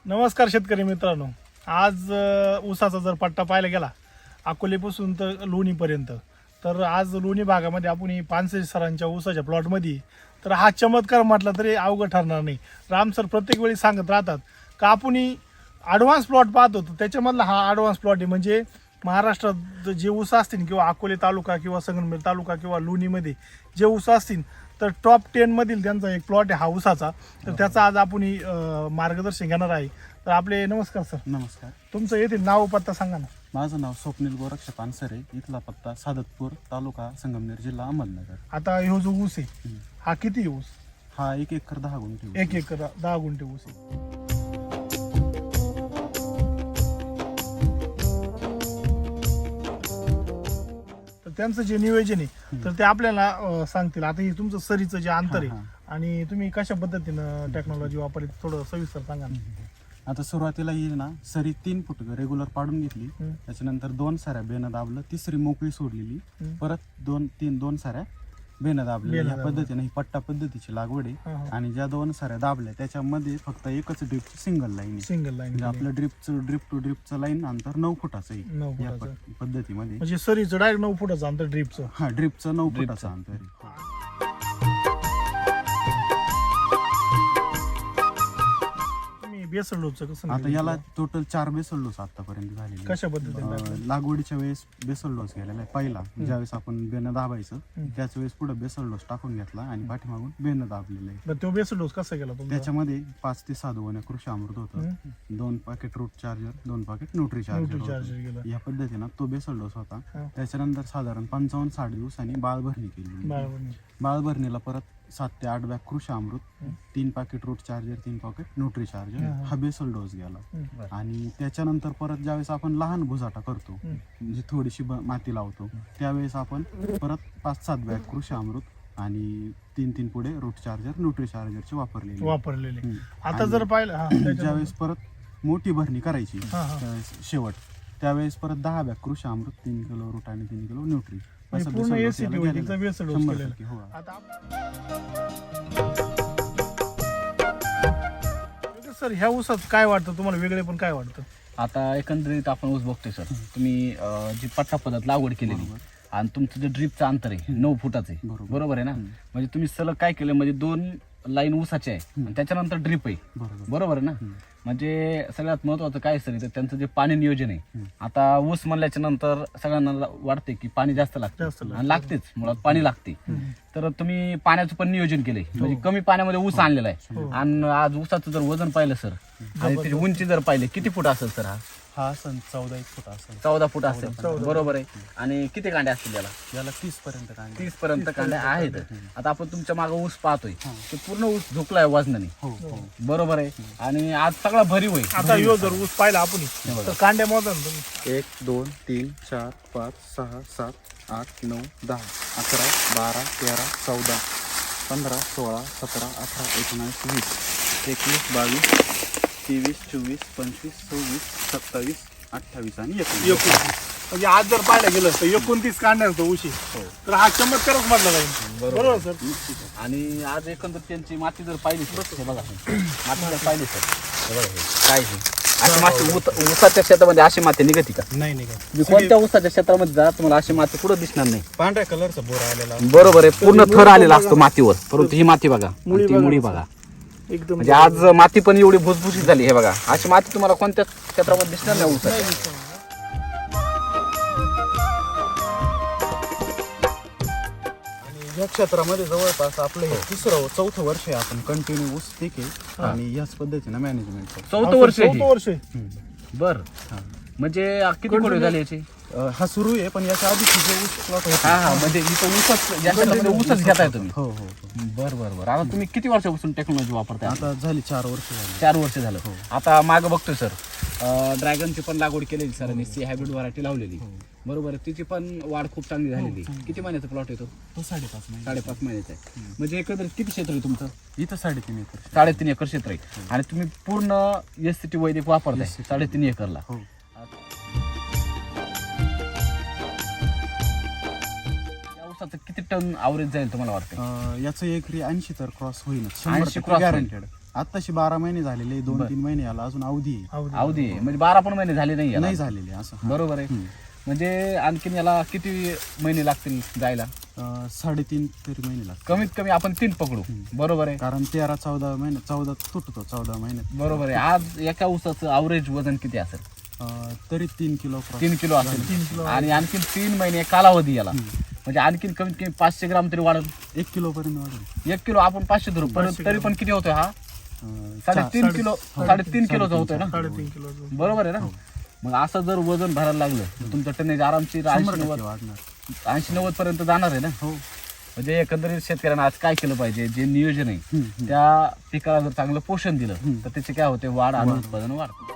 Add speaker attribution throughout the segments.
Speaker 1: नमस्कार शेतकरी मित्रांनो. आज ऊसाचा जर पट्टा पाहायला गेला अकोलेपासून तर लोणीपर्यंत, तर आज लोणी भागामध्ये आपण ही पानसरे सरांच्या ऊसाच्या प्लॉटमध्ये, तर हा चमत्कार म्हटला तरी अवघड ठरणार नाही. राम सर प्रत्येक वेळी सांगत राहतात का आपण ॲडव्हान्स प्लॉट पाहत होतो, त्याच्यामधला हा ॲडव्हान्स प्लॉट आहे. म्हणजे महाराष्ट्रात जे ऊस असतील किंवा अकोले तालुका किंवा संगमनेर तालुका किंवा लोणीमध्ये जे ऊस असतील तर टॉप 10 मधील त्यांचा एक प्लॉट आहे हा ऊसाचा. तर त्याचा आज आपण मार्गदर्शन घेणार आहे. तर आपले नमस्कार सर.
Speaker 2: नमस्कार.
Speaker 1: तुमचं येथील नाव पत्ता सांगा ना.
Speaker 2: माझं नाव स्वप्नील गोरक्ष पानसरे, इथला पत्ता सादतपूर, तालुका संगमनेर, जिल्हा अहमदनगर.
Speaker 1: आता ह्यो जो ऊस आहे हा किती ऊस?
Speaker 2: हा 1 एकर 10 गुंठे.
Speaker 1: 1 एकर 10 गुंठे ऊस आहे. तर त्यांचं जे नियोजन आहे तर ते आपल्याला सांगतील. आता हे तुमचं सरीचं जे अंतर आहे आणि तुम्ही कशा पद्धतीनं टेक्नॉलॉजी वापरली थोडं सविस्तर सांगा ना.
Speaker 2: आता सुरुवातीला येईल ना, सरी 3 फूट रेग्युलर पाडून घेतली, त्याच्यानंतर 2 साऱ्या बेनं दाबलं, तिसरी मोकळी सोडलेली, परत 2 साऱ्या बेनं दाबल्या. या पद्धतीने ही पट्टा पद्धतीची लागवड आहे. आणि ज्या 2 साऱ्या दाबल्या त्याच्यामध्ये फक्त एकच ड्रिपची सिंगल लाईन आहे.
Speaker 1: सिंगल लाईन
Speaker 2: म्हणजे आपलं ड्रिप टू ड्रिपचं लाईन अंतर 9 फुटाचं आहे
Speaker 1: 9
Speaker 2: या
Speaker 1: फुटाचं.
Speaker 2: पद्धतीमध्ये.
Speaker 1: म्हणजे सरीचं डायरेक्ट 9 फुटाचं अंतर ड्रिपचं.
Speaker 2: हा, ड्रिपचं 9 फुटाचं अंतर आहे.
Speaker 1: बेसल डोसचं कसं
Speaker 2: आता याला टोटल 4 बेसल डोस आतापर्यंत झालेले.
Speaker 1: कशा पद्धतीने?
Speaker 2: लागवडीच्या वेळेस बेसल डोस गेलेला आहे पहिला. ज्यावेळेस आपण बेनं दाबायचं त्याच वेळेस पुढे बेसल डोस टाकून घेतला आणि पाठीमागून बेनं दाबलेलं आहे.
Speaker 1: तर तो बेसल डोस कसा केला तुमचा?
Speaker 2: त्याच्यामध्ये 5 ते 6 दोन कृषी अमृत होतं, 2 packet root charger, 2 packet nutri charger. या पद्धतीनं तो बेसल डोस होता. त्याच्यानंतर साधारण 55-60 दिवसांनी बाळभरणी केली. बाळभरणीला परत 7 ते 8 bag Krishi Amrut, 3 packet root charger, 3 packet nutri charger हा बेसल डोस गेला. आणि त्याच्यानंतर परत ज्यावेळेस आपण लहान भुजाटा करतो, म्हणजे थोडीशी माती लावतो, त्यावेळेस आपण परत 5-7 बॅग कृषी अमृत आणि 3 पुढे रूट चार्जर, न्यूट्री चार्जरचे वापरलेले.
Speaker 1: आता जर पाहिलं
Speaker 2: ज्यावेळेस परत मोठी भरणी करायची शेवट, त्यावेळेस परत 10 bag Krishi Amrut, 3 kilo root आणि 3 किलो न्यूट्री.
Speaker 1: पूर्ण एसीटी होती बेसल डोस केलेला. सर ह्या ऊसात काय वाटतं तुम्हाला वेगळे पण काय वाटतं?
Speaker 3: आता एकंदरीत आपण ऊस बघतोय सर, तुम्ही जी पट्टा पद्धत लागवड केलेली आणि तुमचं जे ड्रीपचं अंतर आहे 9 फुटाचं आहे, बरोबर आहे ना? म्हणजे तुम्ही सलग काय केलं, म्हणजे 2 लाईन ऊसाचे आहे आणि त्याच्यानंतर ड्रीप आहे, बरोबर आहे ना? म्हणजे सगळ्यात महत्वाचं काय सर, तर त्यांचं जे पाणी नियोजन आहे. आता ऊस म्हणल्याच्या नंतर सगळ्यांना वाटते की पाणी जास्त लागतं आणि लागतेच, मुळात पाणी लागते. तर तुम्ही पाण्याचं पण नियोजन केलंय, म्हणजे कमी पाण्यामध्ये ऊस आणलेला आहे. आणि आज ऊसाचं जर वजन पाहिलं सर आणि त्याची उंची जर पाहिली, किती फूट असेल सर?
Speaker 2: हा असेल 14 फूट असेल.
Speaker 3: 14 फूट असेल, बरोबर आहे. आणि किती कांड्या असतील
Speaker 2: याला 30
Speaker 3: पर्यंत कांड्या आहेत. आता आपण तुमच्या मागे ऊस पाहतोय, ते पूर्ण ऊस झुकलाय वजनाने, बरोबर आहे. आणि आज सगळा भरीव आहे.
Speaker 1: आता ह्यो जर ऊस पाहिला आपण तर कांड्या मोजा ना तुम्ही.
Speaker 2: 1 2 3 4 5 6 7 8 9 10 11 12 13 14 15 16 17 18 19 20 21 22 23 24 25 26 27 28 आणि 29.
Speaker 1: म्हणजे आज जर पाहायला गेलं तर 29 कांड्या होतो ऊशी. तर हा चमत्कारच म्हटला जाईल, बरोबर सर?
Speaker 3: आणि आज एकंदर त्यांची माती जर पाहिली सर, हे बघा माती जर पाहिली सर, हे बघा काय अशी माती ऊसाच्या शेतामध्ये अशी माती निघते का?
Speaker 2: नाही.
Speaker 3: मी कोणत्या ऊसाच्या क्षेत्रामध्ये जा, तुम्हाला अशी माती कुठं दिसणार नाही.
Speaker 2: पांढऱ्या कलरचा बोरा आलेला,
Speaker 3: बरोबर आहे. पूर्ण थर आलेला असतो मातीवर, परंतु ही माती बघा, ती मुळी बघा.
Speaker 1: एकदम
Speaker 3: म्हणजे आज माती पण एवढी भुसभुशीत झाली. हे बघा, अशी माती तुम्हाला कोणत्या क्षेत्रामध्ये दिसणार नाही ऊसाच्या.
Speaker 2: या क्षेत्रामध्ये जवळपास आपलं हे 3-4 वर्ष आहे आपण कंटिन्यू ऊस पीक आहे आणि याच पद्धतीनं मॅनेजमेंट करतो.
Speaker 3: 4 वर्ष
Speaker 2: बर.
Speaker 3: म्हणजे किती कोडे झाले याचे?
Speaker 2: हा सुरू आहे, पण याच्या आधी जे ऊस प्लॉट होता,
Speaker 3: हा म्हणजे इथं ऊसच घेताय तुम्ही.
Speaker 2: हो.
Speaker 3: बरं. आता तुम्ही किती वर्षापासून टेक्नॉलॉजी वापरताय?
Speaker 2: आता झाली 4 वर्ष झाली.
Speaker 3: 4 वर्ष झालं. आता मागं बघतोय सर, ड्रॅगनची पण लागवड केलेली सरांनी, सी हायब्रिड व्हरायटी लावलेली, बरोबर आहे. तिची पण वाढ खूप चांगली झालेली. किती महिन्याचा प्लॉट येतो?
Speaker 2: तो 5.5 महिने.
Speaker 3: 5.5 महिन्याचा आहे. म्हणजे एकंदरीत किती क्षेत्र आहे तुमचं?
Speaker 2: इथं 3.5 एकर.
Speaker 3: 3.5 एकर क्षेत्र आहे आणि तुम्ही पूर्ण SCT वैदिक वापरताय 3.5 एकरला. किती टन ॲव्हरेज जाईल तुम्हाला वाटतं?
Speaker 2: याचं एकरी 80 तर क्रॉस होईल,
Speaker 3: 80 क्रॉस
Speaker 2: गॅरंटेड. आताशी 12 महिने झालेले, 2-3 महिने याला अजून अवधी आहे.
Speaker 3: अवधी आहे. म्हणजे 12 पण महिने झाले नाही याला.
Speaker 2: नाही झालेले असं.
Speaker 3: बरोबर आहे. म्हणजे आणखीन याला किती महिने लागतील जायला?
Speaker 2: 3.5 तरी महिने लागतात.
Speaker 3: कमीत कमी आपण 3 पकडू. बरोबर आहे.
Speaker 2: कारण 13-14 महिने 14 तुटतो 14 महिन्यात.
Speaker 3: बरोबर आहे. आज एका ऊसाचं अवरेज वजन किती असेल?
Speaker 2: तरी 3 किलो
Speaker 3: 3 किलो असेल. आणि आणखीन 3 महिने कालावधी याला, म्हणजे आणखीन कमीत कमी 500 ग्राम तरी वाढेल.
Speaker 2: 1 किलो पर्यंत वाढेल.
Speaker 3: 1 किलो आपण 500 धरू, तरी पण किती होतोय हा? 3.5 किलो, 3.5 किलोचा होतोय ना.
Speaker 1: 3.5 किलो.
Speaker 3: बरोबर आहे ना. मग असं जर वजन भरायला लागलं तर तुमचं टनेज आरामशीर
Speaker 2: 100% वाढणार.
Speaker 3: 80-90 पर्यंत जाणार आहे ना.
Speaker 2: हो.
Speaker 3: म्हणजे एकंदरीत शेतकऱ्यांना आज काय केलं पाहिजे, जे नियोजन आहे त्या पिकाला जर चांगलं पोषण दिलं तर त्याचे काय होते, वाढ आणि उत्पादन वाढतं.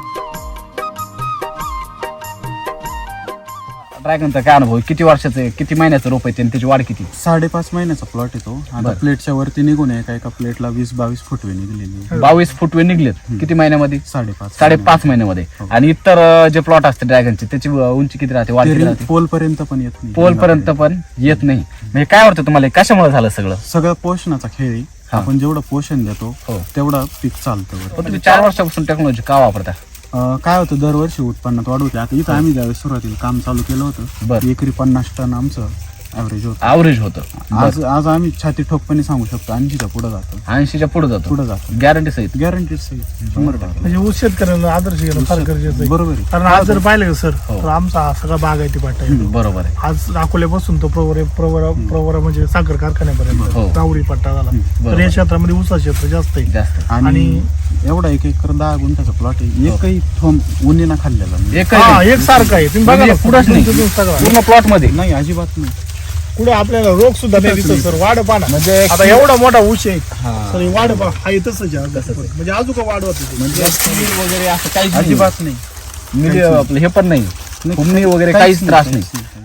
Speaker 3: ड्रॅगनचा काय अनुभव, किती वर्षाचं आहे, किती महिन्याचं रोप आहे आणि त्याची वाढ किती?
Speaker 2: 5.5 महिन्याचा प्लॉट येतो. आता प्लेटच्या वरती निघून एका प्लेटला 20-22 फुटवे निघलेली.
Speaker 3: 22 फुटवे निघलेत. किती महिन्यामध्ये?
Speaker 2: 5.5
Speaker 3: महिन्यामध्ये. आणि इतर जे प्लॉट असते ड्रॅगनचे त्याची उंची किती राहते, वाढ किती राहते?
Speaker 2: पोल पर्यंत पण येत नाही.
Speaker 3: पोल पर्यंत पण येत नाही. म्हणजे काय वाटतं तुम्हाला, कशामुळे झालं सगळं?
Speaker 2: सगळं पोषणाचा खेळ आहे. आपण जेवढं पोषण देतो तेवढं पीक चालतं.
Speaker 3: पण तुम्ही 4 वर्षापासून टेक्नॉलॉजी का वापरता?
Speaker 2: काय होतं, दरवर्षी उत्पन्नात वाढ होते. आता इथं आम्ही ज्यावेळेस सुरुवातीला काम चालू केलं होतं, एकरी 50 टन आमचं ॲव्हरेज होतं. आज आम्ही छाती ठोकपणे सांगू शकतो 80च्या पुढे जातो.
Speaker 3: 80च्या पुढे जातो. गॅरंटी सहित.
Speaker 2: 100%.
Speaker 1: म्हणजे ऊस शेतकऱ्यांना आदर्श घेणं फार गरजेचं आहे.
Speaker 2: बरोबर आहे.
Speaker 1: कारण आज जर पाहिलं सर तर आमचा हा सगळा बागायती पाटा आहे.
Speaker 3: बरोबर आहे.
Speaker 1: आज अकोल्यापासून तो प्रवरा म्हणजे साखर कारखान्यापर्यंत राहुरी पट्टा झाला. तर या क्षेत्रामध्ये ऊसा क्षेत्र जास्त आहे.
Speaker 2: आणि एवढा 1 एकर 10 गुंठ्याचा प्लॉट आहे. एकही थोम उन्हीना खाल्लेला नाही.
Speaker 1: एक सारखा आहे. तुम्ही बघा
Speaker 3: कुठंच नाही, पूर्ण प्लॉट मध्ये
Speaker 2: नाही, अजिबात नाही.
Speaker 1: पुढे आपल्याला रोग सुद्धा नाही दिसत सर. वाढ पाना म्हणजे आता एवढा मोठा ऊस आहे सर, वाढ पा हा तसंच आहे. म्हणजे अजून का वाढवत
Speaker 3: म्हणजे वगैरे असं काहीच
Speaker 2: अजिबात नाही.
Speaker 3: म्हणजे आपलं हे पण नाही, फुमणी वगैरे काहीच त्रास नाही.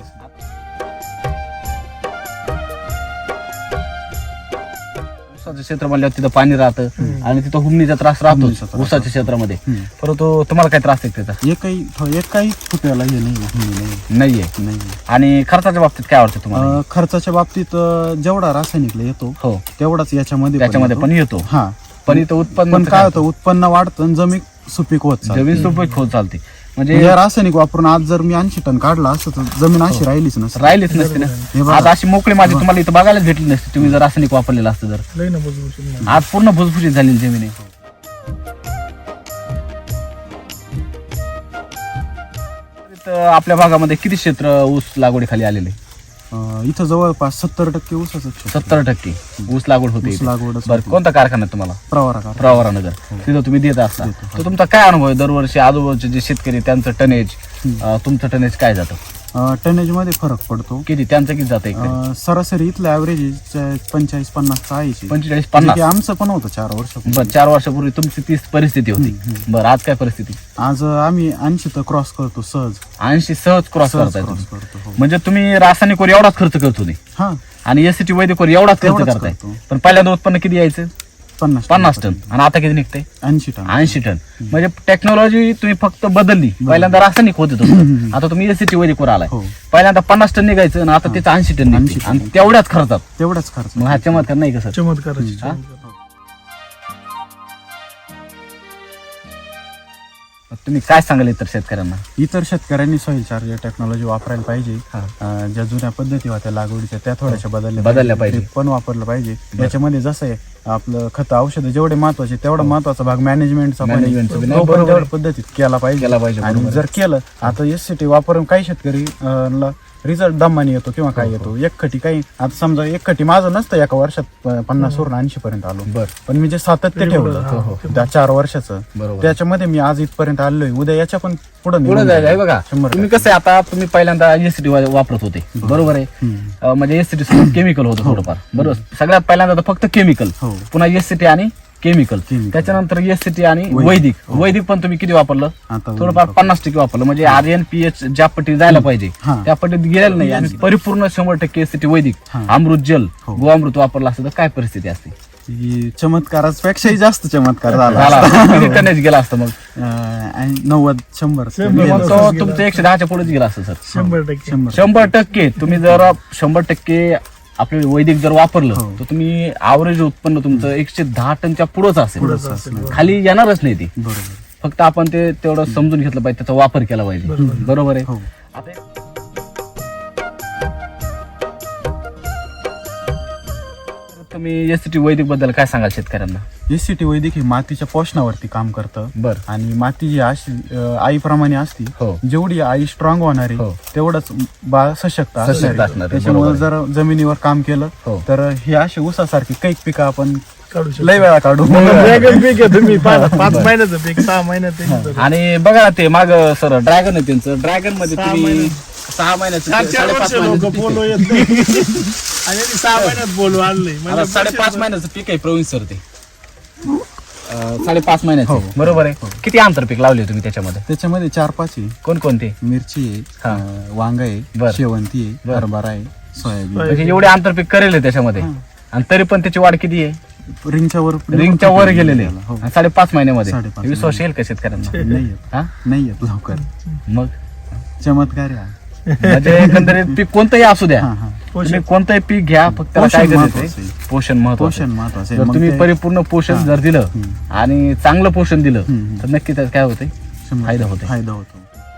Speaker 3: ऊसाचं क्षेत्र म्हणल्यावर तिथं पाणी राहतं आणि तिथं हुमणीचा त्रास राहतोच ऊसाच्या क्षेत्रामध्ये. परंतु तुम्हाला काय त्रास आहे त्याचा?
Speaker 2: एकही फुटव्याला हे
Speaker 3: नाहीये. आणि खर्चाच्या बाबतीत काय वाटतं तुम्हाला?
Speaker 2: खर्चाच्या बाबतीत जेवढा रासायनिकला येतो तेवढाच याच्यामध्ये
Speaker 3: पण येतो.
Speaker 2: हा,
Speaker 3: पण इथं उत्पन्न
Speaker 2: काय होतं, उत्पन्न वाढतं आणि जमीन सुपीक होत चालते.
Speaker 3: जमीन सुपीक होत चालते. म्हणजे
Speaker 2: रासायनिक वापरून आज जर मी 80 टन काढला असतं तर जमीन अशी राहिलीच नसते
Speaker 3: ना. आज अशी मोकळी माझी तुम्हाला इथं बघायलाच भेटली नसती तुम्ही जर रासायनिक वापरलेलं असतं तर. आज पूर्ण भुसभुशीत झालेली जमीन आहे. आपल्या भागामध्ये किती क्षेत्र ऊस लागवडीखाली आलेले?
Speaker 2: इथं जवळपास 70% ऊसाचं क्षेत्र.
Speaker 3: 70% ऊस लागवड होते. बरं, कोणता कारखाना तुम्हाला? प्रवरा नगर. तिथं तुम्ही देत असता. तर तुमचा काय अनुभव आहे? दरवर्षी आजूबाजूचे जे शेतकरी त्यांचं टनेज, तुमचं टनेज काय जातं?
Speaker 2: टनेज मध्ये फरक पडतो.
Speaker 3: किती त्यांचं किती जातं?
Speaker 2: सरासरी इथलं ऍव्हरेज 45-50 आहे.
Speaker 3: 45-50
Speaker 2: आमचं पण होतं 4 वर्षापूर्वी.
Speaker 3: बरं, 4 वर्षापूर्वी तुमची तीच परिस्थिती होती. बरं, आज काय परिस्थिती?
Speaker 2: आज आम्ही 80 तर क्रॉस करतो सहज.
Speaker 3: 80 सहज क्रॉस करताय तुम्ही.
Speaker 2: करतो.
Speaker 3: म्हणजे तुम्ही रासायनिकवर एवढाच खर्च करतो नाही
Speaker 2: हा,
Speaker 3: आणि एसटी वैदिकवर एवढाच खर्च करताय. पण पहिल्यांदा उत्पन्न किती यायचं? 50 टन. आणि आता किती निघतंय? 80 टन. म्हणजे टेक्नॉलॉजी तुम्ही फक्त बदलली. पहिल्यांदा रासायनिक होत होतं, आता तुम्ही एसटी वैदिकवर आलाय. पहिल्यांदा 50 टन निघायचं आणि आता त्याचं 80 टन निघते. आणि तेवढ्याच खर्च. मग हा चमत्कार नाही कसं?
Speaker 1: चमत्काराची.
Speaker 3: तुम्ही काय सांगाल इतर शेतकऱ्यांना?
Speaker 2: इतर शेतकऱ्यांनी सॉइल चार्जर टेक्नॉलॉजी वापरायला पाहिजे. ज्या जुन्या पद्धती होत्या लागवडीच्या त्या थोड्याशा बदलल्या पाहिजे. पण वापरलं पाहिजे. याच्यामध्ये जसं आहे आपलं खत औषध जेवढे महत्वाचे तेवढा महत्वाचा भाग मॅनेजमेंटचा पद्धतीत केला पाहिजे. आणि जर केलं, आता एससीटी वापरून काही शेतकरी रिझल्ट दमाने येतो किंवा काय येतो. एक खटी काही, आता समजा एक खटी माझं नसतं एका वर्षात 50 वरून 80 पर्यंत आलो. पण मी जे सातत्य ठेवलं त्या 4 वर्षाचं, त्याच्यामध्ये मी आज इथपर्यंत आलोय. उद्या याच्या पण पुढे
Speaker 3: जायला बघा. तुम्ही कसं आहे, आता तुम्ही पहिल्यांदा एसटी वापरत होते, बरोबर आहे. म्हणजे एसटी केमिकल होतं थोडंफार, बरोबर. सगळ्यात पहिल्यांदा तर फक्त केमिकल, पुन्हा एसटी आणि केमिकल, त्याच्यानंतर एसटी आणि वैदिक पण तुम्ही किती वापरलं? थोडंफार 50% वापरलं. म्हणजे आर्यन पीएच ज्या पट्टीत जायला पाहिजे त्या पट्टीत गेलेलं नाही. आणि परिपूर्ण 100% एसटी वैदिक अमृत जल गोअमृत वापरलं असतं तर काय परिस्थिती असते?
Speaker 2: चमत्कारापेक्षाही जास्त चमत्कार झाला.
Speaker 3: किती टनेज गेला असतं मग?
Speaker 2: 90-100.
Speaker 3: तुमचं 110च्या पुढेच गेला असतं सर.
Speaker 1: 100%.
Speaker 3: 100%. तुम्ही जर 100% आपलं वैदिक जर वापरलं
Speaker 2: हो.
Speaker 3: तर तुम्ही ॲव्हरेज उत्पन्न तुमचं 110 टनच्या पुढंच
Speaker 1: पुढंच
Speaker 3: असेल,
Speaker 1: असेल.
Speaker 3: खाली येणारच नाही ती.
Speaker 2: बरोबर.
Speaker 3: फक्त आपण ते तेवढं समजून घेतलं पाहिजे, त्याचा वापर केला पाहिजे. बरोबर आहे.
Speaker 2: हो.
Speaker 3: आता तुम्ही एसटी वैदिक बद्दल काय सांगाल शेतकऱ्यांना?
Speaker 2: एससीटी वैदिक हे मातीच्या पोषणावरती काम करतं
Speaker 3: बर.
Speaker 2: आणि माती जी अशी आईप्रमाणे असती,
Speaker 3: हो.
Speaker 2: जेवढी आई स्ट्रॉंग होणार आहे
Speaker 3: हो.
Speaker 2: तेवढंच बाळ सशक्त असणार आहे.
Speaker 3: आहे.
Speaker 2: त्याच्यामुळे जर जमिनीवर काम केलं
Speaker 3: हो.
Speaker 2: तर हे असे ऊसासारखे कैक पिकं आपण
Speaker 1: काढू शकतो.
Speaker 2: लय वेळा काढू.
Speaker 1: ड्रॅगन पीक आहे तुम्ही 5 महिन्याचं पीक 6 महिन्यात ते
Speaker 3: आणि बघा ते माग सर ड्रॅगन आहे त्यांचं, ड्रॅगन मध्ये
Speaker 1: 6
Speaker 3: तुम्ही
Speaker 1: महिने.
Speaker 3: 6 महिन्याचं
Speaker 1: 4 वर्ष
Speaker 3: 5.5
Speaker 1: लोक
Speaker 3: महिन्याचं
Speaker 1: बोलू
Speaker 3: पीक
Speaker 1: येत नाही. आणि यांनी 6 महिन्यात बोलू आणलंय
Speaker 3: आहे. आता 5.5 महिन्याचं पीक आहे प्रवीण सर ते 5.5 महिन्याचं
Speaker 2: हो.
Speaker 3: बरोबर आहे. किती आंतर पीक लावले तुम्ही त्याच्यामध्ये?
Speaker 2: त्याच्यामध्ये 4-5 आहे.
Speaker 3: कोणकोणते?
Speaker 2: मिरची
Speaker 3: हा.
Speaker 2: आहे, वांग आहे,
Speaker 3: बर.
Speaker 2: शेवंती आहे,
Speaker 3: बर.
Speaker 2: हरभरा आहे, सोयाबीन.
Speaker 3: म्हणजे एवढे आंतरपीक करेल त्याच्यामध्ये, आणि तरी पण त्याची वाढ किती आहे?
Speaker 2: रिंगच्या
Speaker 3: वर गेलेले
Speaker 2: हो.
Speaker 3: 5.5 महिन्यामध्ये.
Speaker 2: 5.5
Speaker 3: विश्वास येईल का शेतकऱ्यांना?
Speaker 2: नाही येत.
Speaker 3: हा?
Speaker 2: नाही येत लवकर.
Speaker 3: मग
Speaker 2: चमत्कार आहे हा.
Speaker 3: म्हणजे एकंदरीत पीक कोणतंही असू द्या,
Speaker 2: हा, हा.
Speaker 3: तुम्ही कोणतंही पीक घ्या, फक्त त्याला काय
Speaker 2: पोषण
Speaker 3: गरजेचं
Speaker 2: महत्वाचं
Speaker 3: आहे?
Speaker 2: आहे.
Speaker 3: पोषण महत्वाचं
Speaker 2: पोषण
Speaker 3: आहे.
Speaker 2: महत्वाचं
Speaker 3: जर
Speaker 2: आहे. मग
Speaker 3: तुम्ही
Speaker 2: ते
Speaker 3: परिपूर्ण पोषण
Speaker 2: हा.
Speaker 3: जर दिलं आणि चांगलं पोषण दिलं
Speaker 2: हम्म.
Speaker 3: तर नक्की त्यात काय होते? फायदा होते.
Speaker 2: फायदा होतो.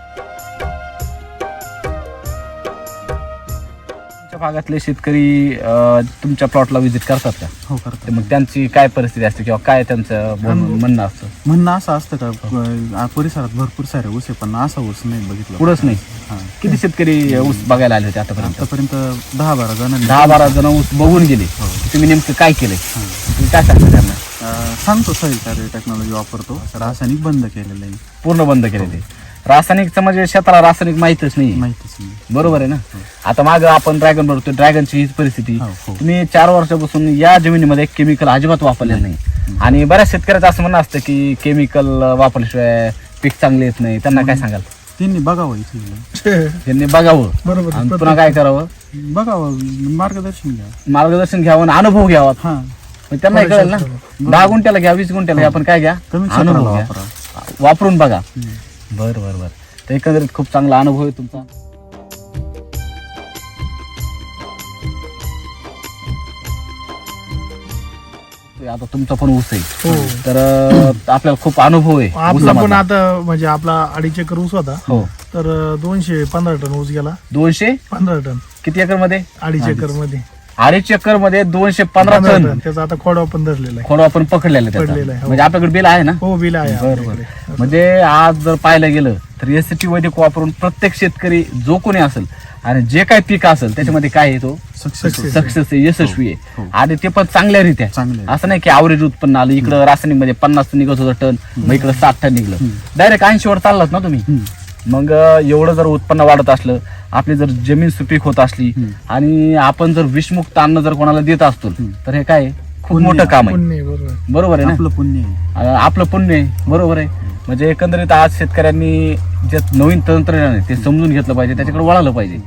Speaker 3: तुमच्या भागातले शेतकरी तुमच्या प्लॉटला व्हिजिट करतात का?
Speaker 2: हो
Speaker 3: तर
Speaker 2: करतो.
Speaker 3: मग त्यांची काय परिस्थिती असते किंवा काय त्यांचं म्हणणं असतं?
Speaker 2: म्हणणं असं असतं का परिसरात भरपूर सारे ऊस आहे पण असा ऊस नाही बघितलं.
Speaker 3: पुढंच नाही.
Speaker 2: हा.
Speaker 3: किती शेतकरी ऊस बघायला आले होते आतापर्यंत?
Speaker 2: आतापर्यंत 10-12 जणांनी
Speaker 3: 10-12 जण ऊस बघून गेले.
Speaker 2: हो.
Speaker 3: तुम्ही नेमकं काय केलंय?
Speaker 2: हा.
Speaker 3: तुम्ही काय सांगता त्यांना?
Speaker 2: सांगतो सॉईल कार्य टेक्नॉलॉजी वापरतो. रासायनिक बंद केलेलं आहे.
Speaker 3: पूर्ण बंद केले ते. रासायनिकचं म्हणजे शेताला रासायनिक माहितच नाही.
Speaker 2: माहितीच नाही.
Speaker 3: बरोबर आहे ना? आता माग आपण ड्रॅगन बघतो, ड्रॅगनची हीच परिस्थिती.
Speaker 2: हो, हो.
Speaker 3: तुम्ही 4 वर्षापासून या जमिनीमध्ये केमिकल अजिबात वापरलेलं नाही. आणि बऱ्याच शेतकऱ्याचं असं म्हणणं असतं की केमिकल वापरल्याशिवाय पीक चांगले येत नाही. त्यांना काय सांगाल?
Speaker 2: त्यांनी बघावं इथे.
Speaker 3: त्यांनी बघावं
Speaker 1: बरोबर.
Speaker 3: आणि पुन्हा काय करावं?
Speaker 2: बघावं, मार्गदर्शन घ्या.
Speaker 3: मार्गदर्शन घ्यावं आणि अनुभव घ्यावा.
Speaker 2: हा.
Speaker 3: मग त्यांना हे कळेल ना. 10 गुंठ्याला घ्या, 20 गुंठ्याला घ्या, आपण काय घ्या?
Speaker 2: कमी क्षेत्राला
Speaker 3: अनुभव घ्या,
Speaker 2: वापरा.
Speaker 3: वापरून बघा. बर बर बर. तर एकंदरीत खूप चांगला अनुभव आहे तुमचा. आता तुमचा पण ऊस आहे,
Speaker 1: हो.
Speaker 3: तर आपल्याला खूप अनुभव आहे
Speaker 1: आपला पण
Speaker 3: ऊसामधला.
Speaker 1: आता म्हणजे आपला 2.5 एकर ऊस होता.
Speaker 3: हो.
Speaker 1: तर 215 टन ऊस गेला.
Speaker 3: 215
Speaker 1: टन
Speaker 3: किती एकर मध्ये?
Speaker 1: 2.5 एकर मध्ये
Speaker 3: 2.5 एकर मध्ये 215 टन
Speaker 1: त्याचा आता खोडवा पण धरलेला आहे.
Speaker 3: खोडा आपण पकडलेला त्याचा.
Speaker 1: पडलेला आहे, हो.
Speaker 3: म्हणजे आपल्याकडे बिल आहे ना?
Speaker 1: हो, बिल आहे
Speaker 3: बरं,
Speaker 1: आपल्याकडे.
Speaker 3: म्हणजे आज जर पाहायला गेलं तर एसटी वैदिक वापरून प्रत्येक शेतकरी जो कोणी असेल आणि जे काही पीक असेल त्याच्यामध्ये काय आहे तो
Speaker 2: सक्सेस
Speaker 3: सक्सेस आहे, यशस्वी आहे.
Speaker 2: हो.
Speaker 3: आणि ते पण चांगल्या रीत्या.
Speaker 2: चांगले आहे.
Speaker 3: असं नाही की ॲव्हरेज उत्पन्न आलं, इकडं रासायनिक मध्ये 50 निघत होतं टन, मग इकडं 60 टन निघलं, डायरेक्ट 80 वर चाललात ना तुम्ही. मग एवढं जर उत्पन्न वाढत असलं, आपली जर जमीन सुपीक होत असली आणि आपण जर विषमुक्त अन्न जर कोणाला देत असतो तर हे काय आहे? खूप
Speaker 2: पुण्य
Speaker 3: मोठं काम आहे.
Speaker 1: पुण्य, बरोबर.
Speaker 3: बरोबर आहे ना?
Speaker 2: आपलं पुण्य आहे.
Speaker 3: आपलं पुण्य आहे. बरोबर आहे. म्हणजे एकंदरीत आज शेतकऱ्यांनी जे नवीन तंत्रज्ञान आहे ते समजून घेतलं पाहिजे, त्याच्याकडे वळालं पाहिजे.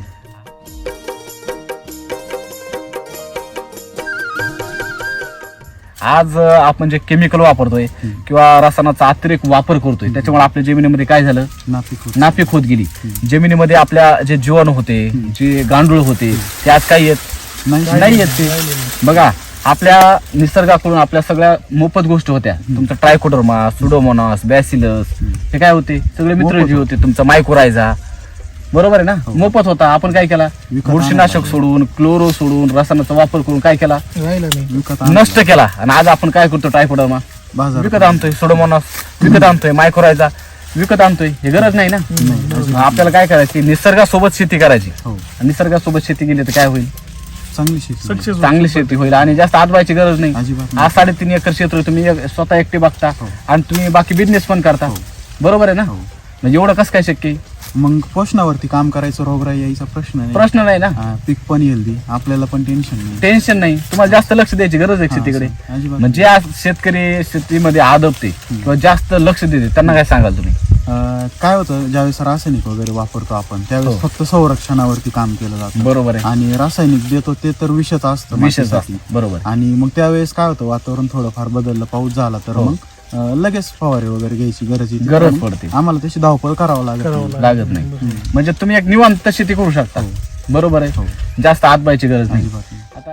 Speaker 3: आज आपण जे केमिकल वापरतोय किंवा रसायनाचा अतिरेक वापर करतोय त्याच्यामुळे आपल्या जमिनीमध्ये काय झालं? नापीक होत गेली. जमिनीमध्ये आपल्या जे जीवाणू होते, जे गांडूळ होते, ते आज काय येत नाही येत ते. बघा, आपल्या निसर्गाकडून आपल्या सगळ्या मोफत गोष्टी होत्या. तुमचा ट्रायकोडर्मा, सुडोमोनास, बॅसिलस, हे काय होते? सगळे मित्र जे होते. तुमचा मायकोरायझा, बरोबर आहे ना? मोफत होता. आपण काय केला? बुरशीनाशक सोडून, क्लोरो सोडून, रसायनाचा वापर करून काय केला?
Speaker 1: राहिलं नाही.
Speaker 3: नष्ट केला. आणि आज आपण काय करतो? ट्रायकोडर्मा विकत आणतोय, सुडोमोनास विकत आणतोय, मायकोरायझा विकत आणतोय. हे गरज नाही ना. आपल्याला काय करायची? निसर्गासोबत शेती करायची. निसर्गासोबत शेती केली तर काय होईल? चांगली शेती होईल आणि जास्त आजवायची गरज नाही. आज 3.5 एकर क्षेत्र तुम्ही स्वतः एकटे बघता आणि तुम्ही बाकी बिझनेस पण करता. बरोबर आहे ना? म्हणजे एवढं कसं काय शक्य आहे?
Speaker 2: मग पोषणावरती काम करायचं, रोगराई यायचा
Speaker 3: प्रश्न नाही ना.
Speaker 2: पीक पण हेल्दी, आपल्याला पण
Speaker 3: टेन्शन नाही. तुम्हाला जास्त लक्ष द्यायची गरज आहे शेतीकडे. म्हणजे आज शेतकरी शेतीमध्ये आदबते किंवा जास्त लक्ष देते, त्यांना काय सांगाल तुम्ही?
Speaker 2: काय होतं, ज्यावेळेस रासायनिक वगैरे वापरतो आपण त्यावेळेस फक्त संरक्षणावरती काम केलं जातं.
Speaker 3: बरोबर आहे.
Speaker 2: आणि रासायनिक देतो ते तर विषच असतं.
Speaker 3: बरोबर.
Speaker 2: आणि मग त्यावेळेस काय होतं, वातावरण थोडंफार बदललं, पाऊस झाला तर मग लगेच फवारे वगैरे घ्यायची गरज
Speaker 3: पडते.
Speaker 2: आम्हाला त्याची धावपळ करावं
Speaker 3: लागत नाही. म्हणजे तुम्ही एक निवांत शेती करू शकता. बरोबर आहे. जास्त आत बायची गरज नाही. आता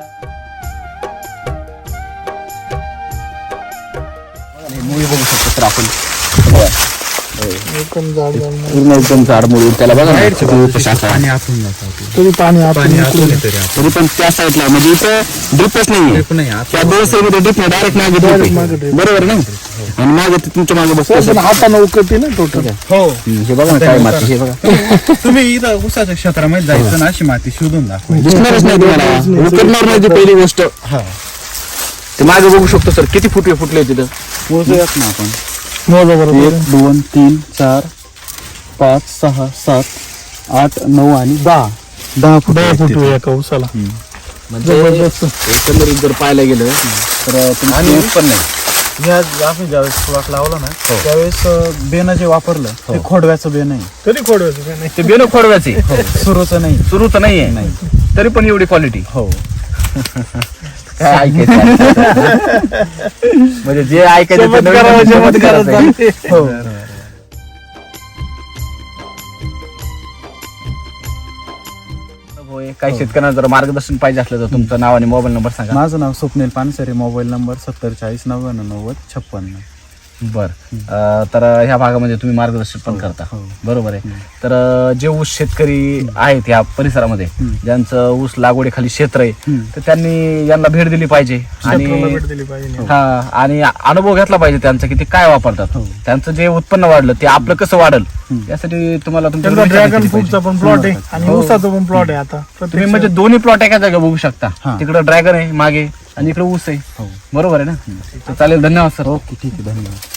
Speaker 3: मुळी बघू शकतो सर आपण बघा.
Speaker 1: एकदम जाड जाड मुळी.
Speaker 3: पूर्ण एकदम झाड मुळी त्याला बघा ना, किती उपश असा आहे.
Speaker 2: आणि आतून जातं आतून.
Speaker 1: तरी पाणी आतून निघून येतं.
Speaker 3: तरी पण त्या साईडला म्हणजे इथं ड्रिपच नाहीये.
Speaker 2: नाही आत
Speaker 3: त्या दोन साईडमध्ये ड्रिप नाही, डायरेक्ट मागे drip आहे.
Speaker 1: मागे drip.
Speaker 3: बरोबर ना. आणि मागे ते तुमच्या मागे बसतो
Speaker 1: पण हातानं उकळते ना टोटल.
Speaker 2: हो
Speaker 3: हे बघा ना काय माती, हे बघा
Speaker 2: तुम्ही इथं उसाच्या क्षेत्रामध्ये जायचं ना, अशी माती शोधून दाखवा.
Speaker 3: दिसणारच नाही तुम्हाला, उतरणार नाही ती पहिली गोष्ट. ते मागे बघू शकतो सर, किती फुटले तिथं.
Speaker 2: मोजूयात ना आपण.
Speaker 1: मोजा बरोबर.
Speaker 2: 1 2 3 4 5 6 7 8 9 आणि 10 फूट
Speaker 1: 10 फूट एका उसाला.
Speaker 3: म्हणजे एकंदरीत जर पाहायला गेलं तर तुमचं उत्पन्न आहे.
Speaker 2: आम्ही ज्यावेळेस प्लॉट लावला ना, त्यावेळेस बेन जे वापरलं ते खोडव्याचं बेन आहे,
Speaker 1: तरी खोडवायचं काय नाही.
Speaker 3: ते बेन खोडव्याचे
Speaker 2: सुरूचं नाही.
Speaker 3: सुरूच नाहीये, तरी पण एवढी क्वालिटी.
Speaker 2: हो
Speaker 3: काय ऐकायचं म्हणजे जे ऐकायचं ते नवीन चमत्कारच आहे.
Speaker 2: हो
Speaker 3: होय. काही शेतकऱ्यांना जर मार्गदर्शन पाहिजे असलं तर तुमचं नाव आणि मोबाईल नंबर सांगा.
Speaker 2: माझं नाव स्वप्नील पानसरे, मोबाईल नंबर 70 40 99 90 56.
Speaker 3: बर. तर ह्या भागामध्ये तुम्ही मार्गदर्शन पण करता, बरोबर आहे. तर जे ऊस शेतकरी आहेत या परिसरामध्ये, ज्यांचं ऊस लागवडीखाली क्षेत्र आहे, तर त्यांनी यांना भेट दिली पाहिजे आणि
Speaker 1: भेट दिली पाहिजे.
Speaker 3: हा आणि अनुभव घेतला पाहिजे त्यांचा की ते काय वापरतात, त्यांचं जे उत्पन्न वाढलं ते आपलं कसं वाढल यासाठी तुम्हाला
Speaker 1: त्यांचा
Speaker 3: तुमच्या
Speaker 1: ड्रॅगन फ्रूटचा पण प्लॉट आहे आणि ऊसाचा पण प्लॉट आहे. आता
Speaker 3: तुम्ही म्हणजे दोन्ही प्लॉट एका जागा बघू शकता. तिकडे ड्रॅगन आहे मागे आणि इकडे ऊस आहे, बरोबर आहे ना. तर चालेल, धन्यवाद सर.
Speaker 2: ओके ठीक आहे, धन्यवाद.